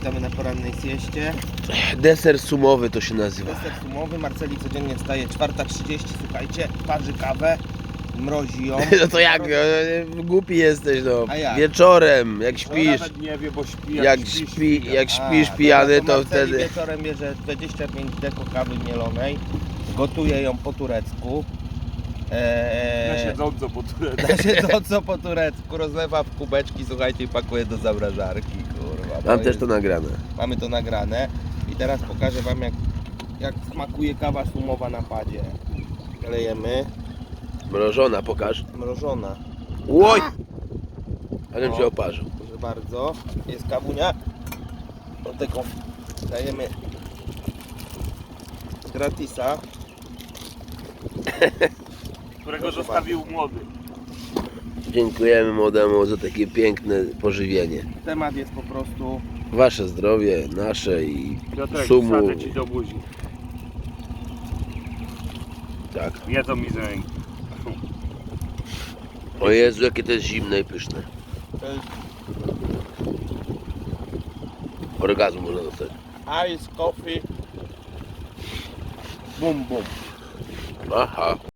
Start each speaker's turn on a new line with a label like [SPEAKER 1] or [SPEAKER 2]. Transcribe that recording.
[SPEAKER 1] witamy na porannej sieście.
[SPEAKER 2] Deser sumowy to się nazywa.
[SPEAKER 1] Deser sumowy, Marceli codziennie wstaje 4:30, słuchajcie, parzy kawę, mrozi ją.
[SPEAKER 2] No to jak, głupi jesteś, no.
[SPEAKER 1] A jak?
[SPEAKER 2] Wieczorem, jak
[SPEAKER 3] No
[SPEAKER 2] śpisz.
[SPEAKER 3] nawet nie wie, bo śpi.
[SPEAKER 2] Jak śpisz pijany, to
[SPEAKER 1] Marceli
[SPEAKER 2] wtedy...
[SPEAKER 1] wieczorem bierze 25 deko kawy mielonej, gotuje ją po turecku.
[SPEAKER 3] Na siedząco po turecku.
[SPEAKER 1] Na siedząco po turecku, rozlewa w kubeczki, słuchajcie, i pakuje do zamrażarki, kurwa.
[SPEAKER 2] Mam też
[SPEAKER 1] jest-
[SPEAKER 2] to nagrane.
[SPEAKER 1] Mamy to nagrane i teraz pokażę wam jak smakuje kawa sumowa na padzie. Lejemy,
[SPEAKER 2] Mrożona, pokaż.
[SPEAKER 1] mrożona.
[SPEAKER 2] Łoj! Ale
[SPEAKER 1] No.
[SPEAKER 2] się oparzył.
[SPEAKER 1] Proszę bardzo, jest kawunia. Do tego dajemy gratisa.
[SPEAKER 3] Którego
[SPEAKER 1] Proszę
[SPEAKER 3] zostawił młody.
[SPEAKER 2] Dziękujemy młodemu za takie piękne pożywienie.
[SPEAKER 1] Temat jest po prostu
[SPEAKER 2] Wasze zdrowie, nasze i
[SPEAKER 3] Piotrek,
[SPEAKER 2] sumu.
[SPEAKER 3] wsadzę ci do buzi.
[SPEAKER 2] Tak.
[SPEAKER 3] Jedzą mi z ręki.
[SPEAKER 2] O Jezu, jakie to jest zimne i pyszne.
[SPEAKER 1] to jest
[SPEAKER 2] Orgazmu można dostać.
[SPEAKER 1] ice coffee. Bum bum.
[SPEAKER 2] Aha.